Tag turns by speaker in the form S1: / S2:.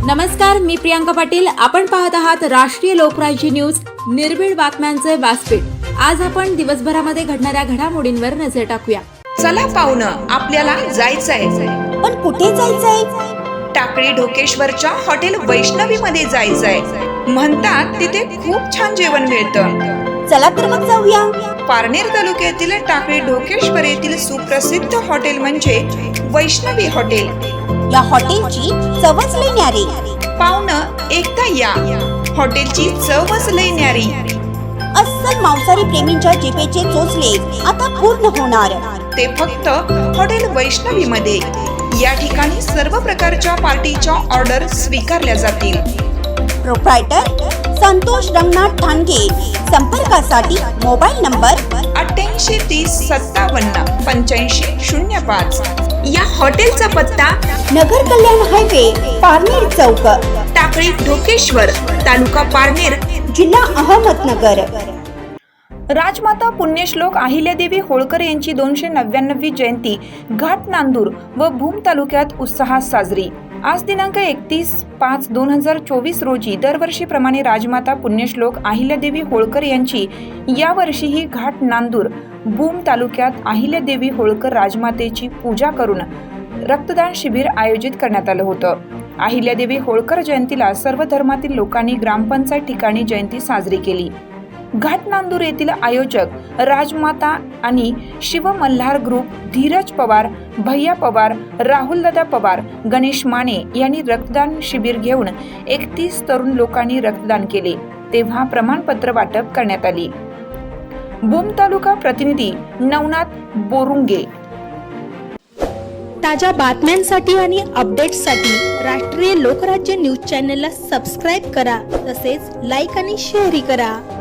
S1: नमस्कार, मी प्रियांका पाटील. आपण पाहत आहात राष्ट्रीय लोकराज्य न्यूज, निर्भीड बातम्यांचे व्यासपीठ. आज आपण दिवसभरामध्ये घडणाऱ्या घडामोडींवर नजर टाकूया.
S2: चला पाहुणं, आपल्याला जायचंय.
S3: पण कुठे जायचंय?
S2: टाकळी ढोकेश्वरच्या हॉटेल वैष्णवी मध्ये जायचंय. म्हणतात तिथे खूप छान जेवण मिळतं.
S3: चला तर मग जाऊया.
S2: पारनेर तालुक्यातील टाकळी ढोकेश्वर येथील सुप्रसिद्ध हॉटेल म्हणजे वैष्णवी हॉटेल.
S3: या हॉटेलची चवच लई न्यारी.
S2: पाहुणं, एकदा या. हॉटेलची चवच लई न्यारी.
S3: अस्सल मांसाहारी प्रेमींच्या जिभेचे चोचले आता पूर्ण होणार.
S2: ते फक्त हॉटेल वैष्णवी मध्ये. या ठिकाणी सर्व प्रकारच्या पार्टीच्या ऑर्डर स्वीकारल्या जातील.
S3: प्रोप्रायटर संतोष रंगनाथ ठाणगे. संपर्कासाठी मोबाईल नंबर
S2: 8830578505. या हॉटेलचा पत्ता
S3: नगर कल्याण हायवे, पारनेर चौक,
S2: टाकळी ढोकेश्वर, तालुका पारनेर,
S3: जिल्हा अहमदनगर.
S2: राजमाता पुण्यश्लोक अहिल्यादेवी होळकर यांची 299वी जयंती घाट नांदूर व भूम तालुक्यात उत्साहात साजरी. आज दिनांक 31/5/2024 रोजी दरवर्षीप्रमाणे राजमाता पुण्यश्लोक अहिल्यादेवी होळकर यांची यावर्षीही घाट नांदूर भूम तालुक्यात अहिल्यादेवी होळकर राजमातेची पूजा करून रक्तदान शिबिर आयोजित करण्यात आलं होतं. अहिल्यादेवी होळकर जयंतीला सर्व धर्मातील लोकांनी ग्रामपंचायत ठिकाणी जयंती साजरी केली. घाट नांदूर येथील आयोजक राजमाता आणि शिव मल्हार ग्रुप, धीरज पवार, भैया पवार, राहुलदादा पवार, गणेश माने यांनी रक्तदान शिबिर घेऊन 31 तरुण लोकांनी रक्तदान केले. तेव्हा प्रमाणपत्र वाटप करण्यात आली. भूम तालुका प्रतिनिधी नवनाथ बोरुंगे.
S4: ताज्या बातम्यांसाठी आणि अपडेट्ससाठी राष्ट्रीय लोकराज्य न्यूज चॅनलला सबस्क्राईब करा. तसेच लाईक आणि शेअरही करा.